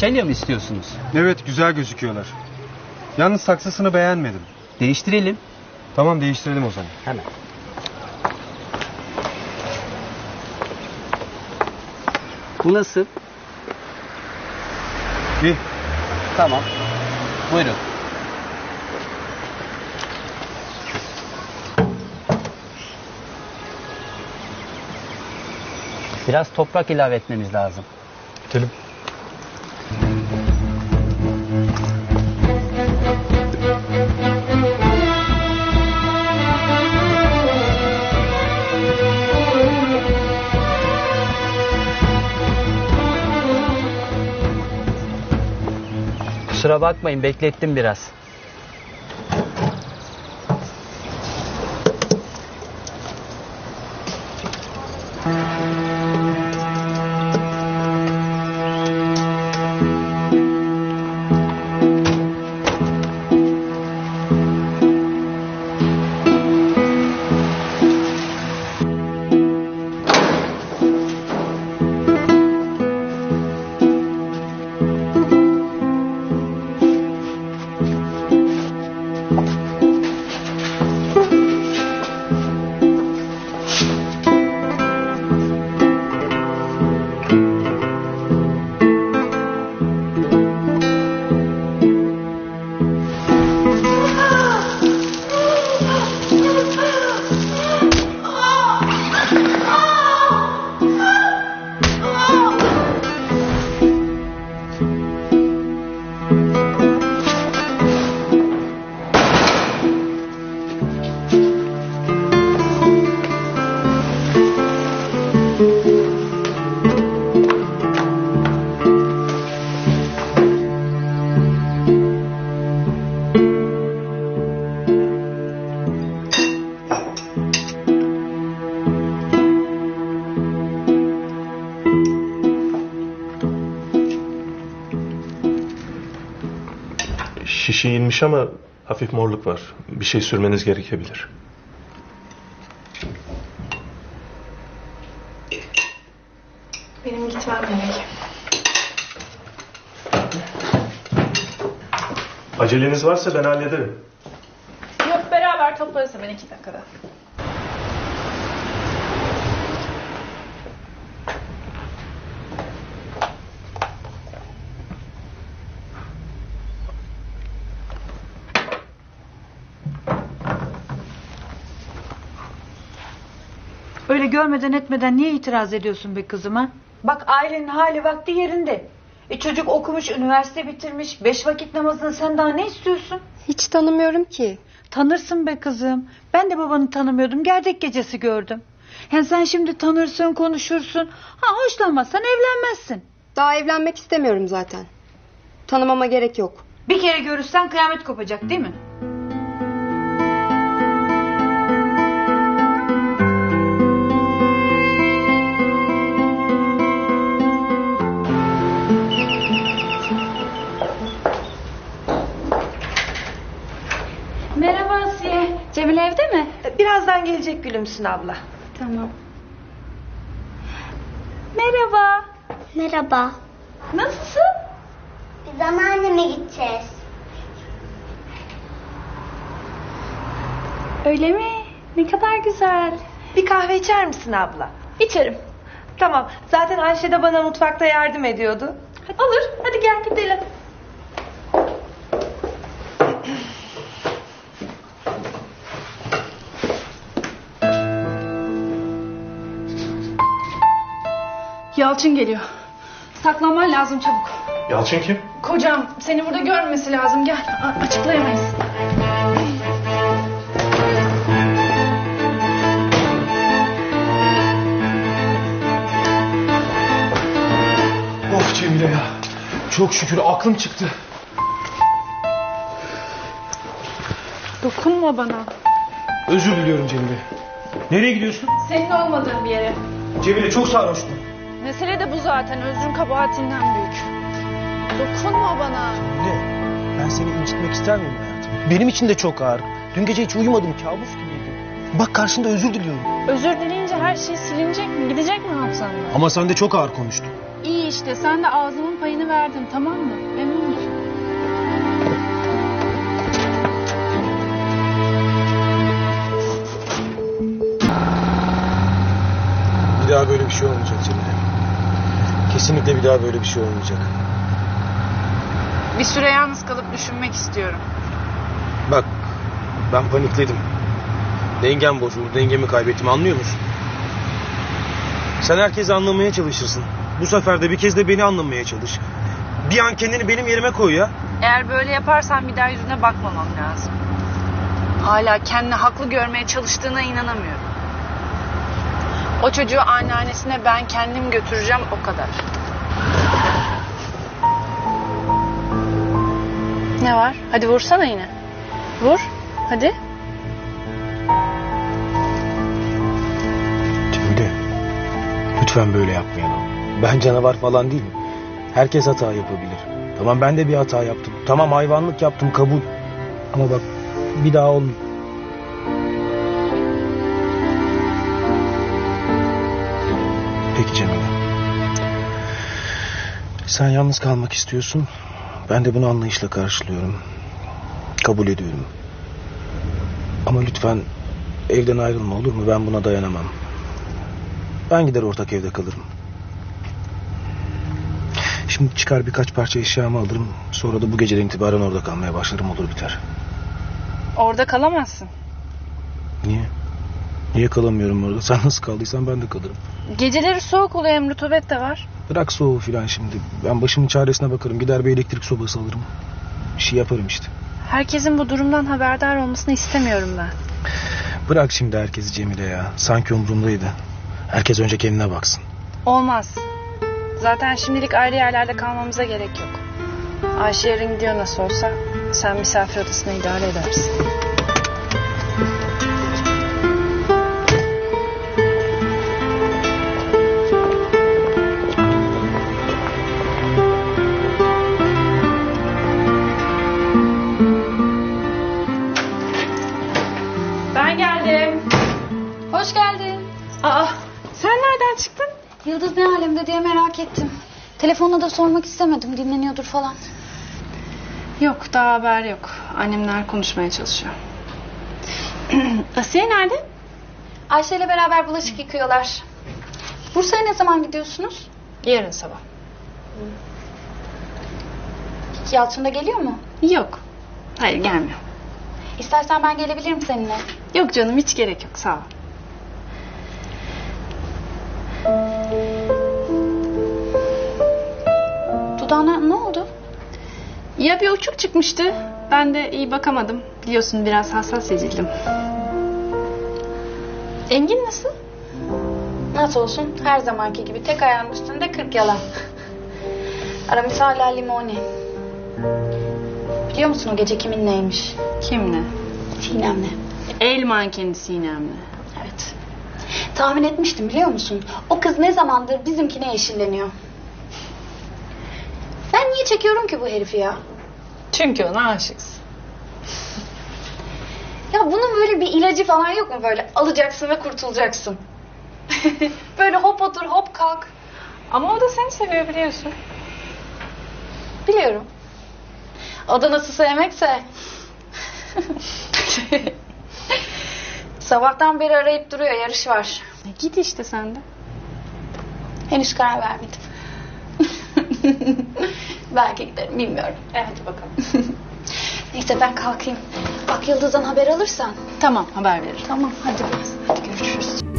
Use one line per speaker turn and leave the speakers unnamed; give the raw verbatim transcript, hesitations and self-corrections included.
Façalya mı istiyorsunuz?
Evet, güzel gözüküyorlar. Yalnız saksısını beğenmedim.
Değiştirelim.
Tamam, değiştirelim o zaman.
Hemen. Bu nasıl?
İyi.
Tamam. Buyurun. Biraz toprak ilave etmemiz lazım.
Gidelim.
Kusura bakmayın, beklettim biraz.
Şişi inmiş ama hafif morluk var. Bir şey sürmeniz gerekebilir.
Benim gitmem gerek.
Aceleniz varsa ben hallederim.
Yok, beraber toplarız hemen iki dakikada.
Öyle görmeden etmeden niye itiraz ediyorsun be kızıma? Bak ailenin hali vakti yerinde. E çocuk okumuş, üniversite bitirmiş, beş vakit namazını sen daha ne istiyorsun?
Hiç tanımıyorum ki.
Tanırsın be kızım. Ben de babanı tanımıyordum, gerdek gecesi gördüm. Yani sen şimdi tanırsın, konuşursun. Ha hoşlanmazsan evlenmezsin.
Daha evlenmek istemiyorum zaten. Tanımama gerek yok.
Bir kere görürsen kıyamet kopacak değil mi?
Merhaba Asiye. Cemile evde mi?
Birazdan gelecek Gülümsün abla.
Tamam. Merhaba.
Merhaba.
Nasılsın?
Biz anneanneme gideceğiz.
Öyle mi? Ne kadar güzel.
Bir kahve içer misin abla?
İçerim.
Tamam. Zaten Ayşe de bana mutfakta yardım ediyordu.
Hadi. Olur. Hadi gel gidelim. Yalçın geliyor. Saklanman lazım çabuk.
Yalçın kim?
Kocam seni burada görmemesi lazım. Gel. A- açıklayamayız.
Of Cemile ya. Çok şükür aklım çıktı.
Dokunma bana.
Özür diliyorum Cemile. Nereye gidiyorsun?
Senin olmadığın bir yere.
Cemile çok sarhoştum.
Mesele de bu zaten. Özrün kabahatinden büyük. Dokunma bana.
Ne? Ben seni incitmek ister miyim hayatım? Benim için de çok ağır. Dün gece hiç uyumadım, kabus gibiydi. Bak karşında özür diliyorum.
Özür dileyince her şey silinecek mi? Gidecek mi hafızandan?
Ama sen de çok ağır konuştun.
İyi işte, sen de ağzımın payını verdin, tamam mı? Memnun musun?
Bir daha böyle bir şey olmayacak Cemile. Kesinlikle bir daha böyle bir şey olmayacak.
Bir süre yalnız kalıp düşünmek istiyorum.
Bak ben panikledim. Dengem bozuldu, dengemi kaybettim, anlıyor musun? Sen herkesi anlamaya çalışırsın. Bu sefer de bir kez de beni anlamaya çalış. Bir an kendini benim yerime koy ya.
Eğer böyle yaparsan bir daha yüzüne bakmamam lazım. Hala kendini haklı görmeye çalıştığına inanamıyorum. O çocuğu anneannesine ben kendim götüreceğim, o kadar. Ne var? Hadi vursana yine. Vur. Hadi.
Cemile, lütfen böyle yapmayalım. Ben canavar falan değilim. Herkes hata yapabilir. Tamam ben de bir hata yaptım. Tamam hayvanlık yaptım, kabul. Ama bak bir daha olmuyor. Peki Cemile. Sen yalnız kalmak istiyorsun. Ben de bunu anlayışla karşılıyorum. Kabul ediyorum. Ama lütfen evden ayrılma, olur mu? Ben buna dayanamam. Ben gider ortak evde kalırım. Şimdi çıkar birkaç parça eşyamı alırım. Sonra da bu geceden itibaren orada kalmaya başlarım, olur biter.
Orada kalamazsın.
Niye? Niye kalamıyorum orada? Sen nasıl kaldıysan ben de kalırım.
Geceleri soğuk oluyor, hem rutubet de var.
Bırak soğuğu filan şimdi. Ben başımın çaresine bakarım. Gider bir elektrik sobası alırım. Bir şey yaparım işte.
Herkesin bu durumdan haberdar olmasını istemiyorum ben.
Bırak şimdi herkesi Cemile ya. Sanki umurumdaydı. Herkes önce kendine baksın.
Olmaz. Zaten şimdilik ayrı yerlerde kalmamıza gerek yok. Ayşe yarın gidiyor nasıl olsa. Sen misafir odasına idare edersin. Ben geldim.
Hoş geldin.
Aa, sen nereden çıktın?
Yıldız ne alemde diye merak ettim. Telefonla da sormak istemedim. Dinleniyordur falan.
Yok, daha haber yok. Annemler konuşmaya çalışıyor. Asiye nerede?
Ayşe ile beraber bulaşık yıkıyorlar. Bursa'ya ne zaman gidiyorsunuz?
Yarın sabah.
Yalçın da geliyor mu?
Yok. Hayır, gelmiyor.
İstersen ben gelebilirim seninle.
Yok canım, hiç gerek yok, sağ ol.
Dudağına ne oldu?
Ya bir uçuk çıkmıştı. Ben de iyi bakamadım. Biliyorsun biraz hassas ezildim. Engin nasıl?
Nasıl olsun? Her zamanki gibi tek ayağının üstünde kırk yalan. Aramis hala limoni. Biliyor musun o gece kiminleymiş?
Kimle?
Sinem'le.
El mankeni Sinem'le.
Evet. Tahmin etmiştim biliyor musun? O kız ne zamandır bizimkine eşilleniyor. Ben niye çekiyorum ki bu herifi ya?
Çünkü ona aşıksın.
Ya bunun böyle bir ilacı falan yok mu böyle? Alacaksın ve kurtulacaksın. Böyle hop otur hop kalk.
Ama o da seni seviyor, biliyorsun.
Biliyorum. O da nasıl sevmekse. Sabahtan beri arayıp duruyor, yarış var.
E git işte sen de.
Henüz karar vermedim. Belki giderim, bilmiyorum.
E hadi bakalım.
Neyse ben kalkayım. Bak Yıldız'dan haber alırsan.
Tamam, haber veririm.
Tamam hadi, hadi görüşürüz.